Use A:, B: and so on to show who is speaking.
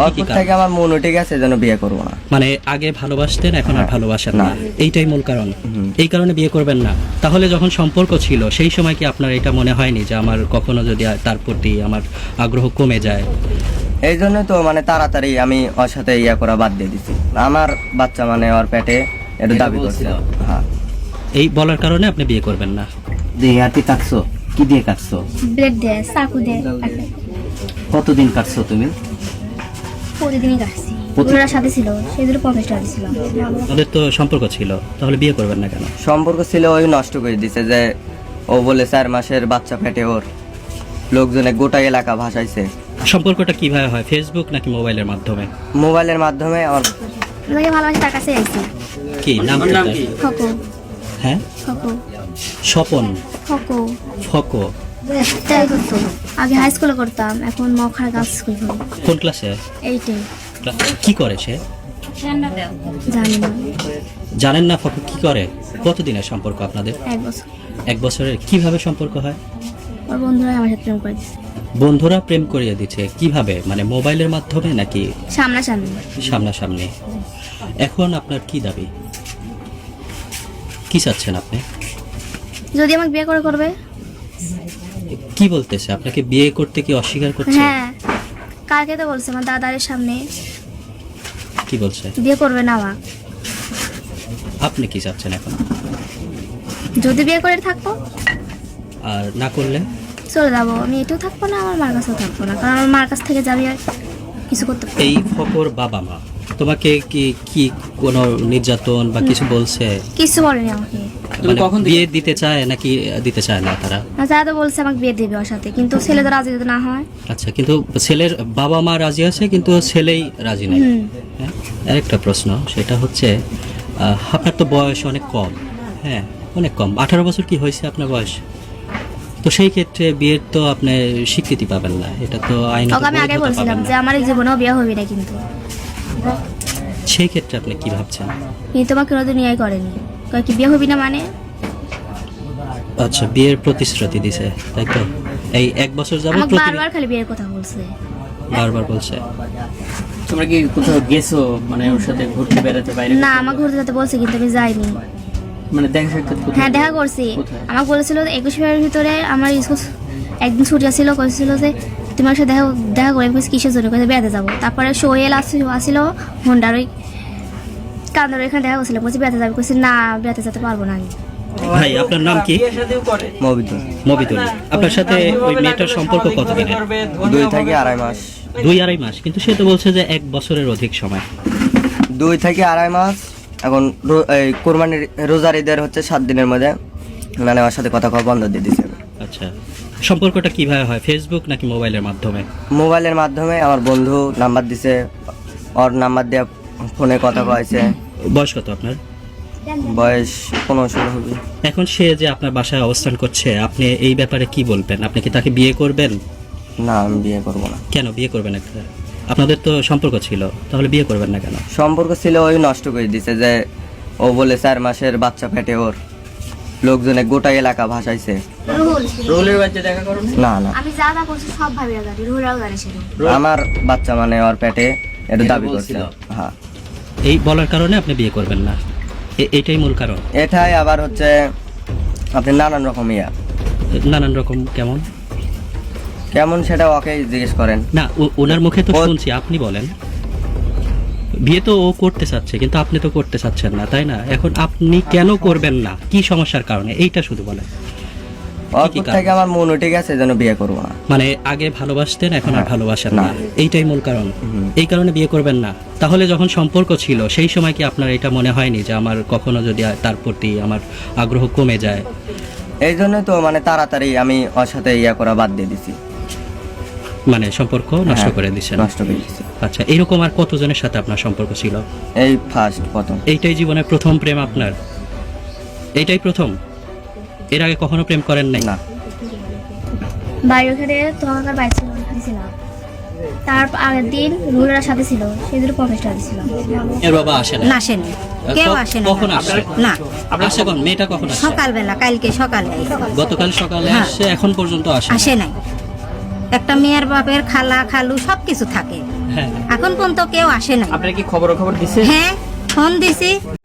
A: অল্প থেকে আমার মন উঠে গেছে যেন বিয়ে করবো না।
B: মানে আগে ভালোবাসতেন, এখন আর ভালোবাসেন না, এইটাই মূল কারণ। এই কারণে বিয়ে করবেন না। তাহলে যখন সম্পর্ক ছিল সেই সময় কি আপনার এটা মনে হয়নি যে আমার কখনো যদি তার প্রতি আমার আগ্রহ কমে যায়?
A: এই জন্য তো মানে তাড়াতাড়ি আমি ওর সাথে ইয়া করা বাদ দিয়ে দিছি। আমার বাচ্চা মানে ওর পেটে এটা দাবি করছে। হ্যাঁ,
B: এই বলার কারণে আপনি বিয়ে করবেন না।
C: দিয়ে হাতি কাটছো, কি দিয়ে কাটছো?
D: ব্লেড দিয়ে, চাকু দিয়ে কাটে।
C: কতদিন কাটছো তুমি?
D: প্রতিদিনই কাটছি। ওনার সাথে ছিল, সেই জন্য 50 টাকা দিয়েছিলাম।
B: ওদের তো সম্পর্ক ছিল, তাহলে বিয়ে করবেন না কেন?
A: সম্পর্ক ছিল, ওই নষ্ট করে দিছে যে ও বলে 4 মাসের বাচ্চা পেটে ওর, লোকজনে গোটা এলাকা ভাসাইছে।
B: সম্পর্কটা কিভাবে হয়, ফেসবুক নাকি মোবাইলের মাধ্যমে?
A: মোবাইলের মাধ্যমে। আমার
D: যাকে ভালোবাসি তার কাছে আইছি।
B: কি নাম?
D: ফকো।
B: হ্যাঁ,
D: ফকো।
B: স্বপন।
D: ফকো।
B: ফকো।
D: তাই করতো। আগে হাই স্কুলে করতাম, এখন মখার গার্লস স্কুল করি।
B: কোন ক্লাসে?
D: 8-এ।
B: কি করে সে?
D: জানি না।
B: জানেন না ফকো কি করে? কতদিনের সম্পর্ক আপনাদের?
D: 1 বছর।
B: 1 বছরের। কিভাবে সম্পর্ক হয়?
D: ওর বন্ধুরা আমার সাথে প্রেম করে দিচ্ছে।
B: বন্ধুরা প্রেম করিয়ে দিচ্ছে কিভাবে? মানে মোবাইলের মাধ্যমে নাকি
D: সামনাসামনি?
B: সামনাসামনি। এখন আপনার কি দাবি, কি চাচ্ছেন আপনি?
D: যদি আমাকে বিয়ে করে করবে।
B: কি বলতেছে আপনাকে? বিয়ে করতে কি অস্বীকার করছে?
D: হ্যাঁ, কালকে তো বলছে আমার দাদারের সামনে
B: কি বলছে?
D: বিয়ে করবে না আমাকে।
B: আপনি কি চাচ্ছেন এখন?
D: যদি বিয়ে করে থাকবো,
B: আর না করলে?
D: চলে যাবো। আমি এটাও থাকবো না, আমার মার কাছেও থাকবো না, কারণ আমার মার কাছ থেকে যাবি আর কিছু করতে পারবো না।
B: এই ফকর বাবা মা তোমাকে কি কি কোনো নির্যাতন বা কিছু বলছে?
D: কিছু বলেনি আমাকে।
B: মানে বিয়ে দিতে চায় নাকি দিতে চায় না তারা?
D: যারা তো বলছে আমাকে বিয়ে দেবে ওর সাথে, কিন্তু ছেলে তো রাজি যদি না হয়।
B: আচ্ছা, কিন্তু ছেলের বাবা মা রাজি আছে কিন্তু ছেলেই রাজি নেই। হ্যাঁ, আরেকটা প্রশ্ন, সেটা হচ্ছে আপনার তো বয়স অনেক কম। হ্যাঁ, অনেক কম। 18 বছর কি হয়েছে আপনার বয়স? তো সেই ক্ষেত্রে বিয়ের তো আপনি স্বীকৃতি পাবেন না, এটা তো আইনত
D: ওকে আমি আগে বলছিলাম যে আমার এই জীবনেও বিয়ে হবে না, কিন্তু
B: সেই ক্ষেত্রে আপনি কি ভাবছেন?
D: কিন্তু আমাকে কোনোদিন নিয়ে করেনি। কয় কি বিয়ে হবি না মানে?
B: আচ্ছা, বিয়ের প্রতিশ্রুতি দিছে তাই তো? এই 1 বছর যাবত
D: আমাকে বারবার খালি বিয়ের কথা বলছে।
B: বারবার বলছে।
C: তোমরা কি কোথাও গেছো মানে ওর সাথে ঘুরতে বেড়াতে বাইরে?
D: না, আমাকে ঘুরতে যেতে বলছে কিন্তু আমি যাইনি।
C: মানে দেখা সাক্ষাৎ কোথায়?
D: হ্যাঁ, দেখা করছি।
C: কোথায়?
D: আমাকে বলেছিল 21 ফেব্রুয়ারির ভিতরে আমার স্কুল একদিন ছুটি ছিল, কইছিল যে তোমার সাথে দেখা করে কিসের জন্য, কইছে বেড়াতে যাবো। তারপরে সোহেল আসছিল হোন্ডার ওই কান্দার এখানে দেখা করছিল, বলছি বেড়াতে যাবে, কইছি না বেড়াতে যেতে পারবো না আমি।
B: ভাই, আপনার নাম কি?
A: মবিদুল।
B: মবিদুল। আপনার সাথে ওই মেয়েটার সম্পর্ক কতদিনের?
A: 2 থেকে 2.5 মাস।
B: 2-2.5 মাস, কিন্তু সে তো বলছে যে 1 বছরের অধিক সময়।
A: 2 থেকে 2.5 মাস। এখন এই কোরবানির রোজার ঈদের হচ্ছে 7 দিনের মধ্যে মানে ওর সাথে কথা কওয়া বন্ধ দিয়ে দিছে।
B: আচ্ছা, সম্পর্কটা কিভাবে হয়, ফেসবুক নাকি মোবাইলের মাধ্যমে?
A: মোবাইলের মাধ্যমে। আমার বন্ধু নাম্বার দিছে, ওর নাম্বার দিয়ে ফোনে কথা কয়েছে।
B: বয়স কত আপনার?
A: বয়স 15-16 হবে।
B: এখন সে যে আপনার বাসায় অবস্থান করছে, আপনি এই ব্যাপারে কি বলবেন? আপনি কি তাকে বিয়ে করবেন?
A: না, আমি বিয়ে করবো না।
B: কেন বিয়ে করবেন? একটা আপনাদের তো সম্পর্ক ছিল, তাহলে বিয়ে করবেন না কেন?
A: সম্পর্ক ছিল, ওই নষ্ট করে দিছে যে ও বলে 4 মাসের বাচ্চা পেটে ওর, লোকজনে গোটা এলাকা ভাসাইছে।
C: রোলের বাচ্চা দেখা করো না?
A: না না,
D: আমি যা যা করছি সব ভাবিরা জানি, রুহুরাও জানে ছিল।
A: আমার বাচ্চা মানে ওর পেটে এটা দাবি করছে। হ্যাঁ,
B: এই বলার কারণে আপনি বিয়ে করবেন না, এইটাই মূল কারণ?
A: এটাই আবার হচ্ছে আপনি নানান রকম
B: নানান রকম কেমন
A: কেমন সেটা ওকে জিজ্ঞেস করেন।
B: না, ওনার মুখে তো শুনছি, আপনি বলেন। বিয়ে তো ও করতে চাচ্ছে কিন্তু আপনি তো করতে চাচ্ছেন না, তাই না? এখন আপনি কেন করবেন না, কি সমস্যার কারণে, এইটা শুধু বলেন।
A: অল্প থেকে আমার মন উঠে গেছে যেন বিয়ে করবো না।
B: মানে আগে ভালোবাসতেন, এখন আর ভালোবাসেন না, এইটাই মূল কারণ। এই কারণে বিয়ে করবেন না। তাহলে যখন সম্পর্ক ছিল সেই সময় কি আপনার এটা মনে হয়নি যে আমার কখনো যদি তার প্রতি আমার আগ্রহ কমে যায়?
A: এই জন্য তো মানে তাড়াতাড়ি আমি ওর সাথে ইয়া করা বাদ দিয়ে দিছি।
B: মানে সম্পর্ক নষ্ট করে দিচ্ছেন?
A: নষ্ট করে দিছি।
B: আচ্ছা, এরকম আর কতজনের সাথে আপনার সম্পর্ক ছিল?
A: এই ফার্স্ট, প্রথম।
B: এইটাই জীবনের প্রথম প্রেম আপনার? এইটাই প্রথম? এর আগে কখনো প্রেম করেন নাই?
A: না।
D: বাইরে ওখানে তোমার বাইক ছিলাম, তার আগের দিন রুহুরার সাথে ছিল, সেই জন্য 50 টাকা দিয়েছিলাম।
B: এর বাবা আসে না?
E: না, আসেনি, কেউ আসে না।
B: কখন আসছে?
E: না,
B: আসে কোন মেয়েটা কখন আসছে?
E: সকালবেলা, কালকে সকালে।
B: গতকাল সকালে আসছে, এখন পর্যন্ত আসে
E: আসে নাই। একটা মেয়ের বাপের খালা খালু সব কিছু থাকে।
B: হ্যাঁ
E: এখন পর্যন্ত কেউ আসে নাই।
C: আপনার কি খবর দিছে?
E: হ্যাঁ, ফোন দিছি,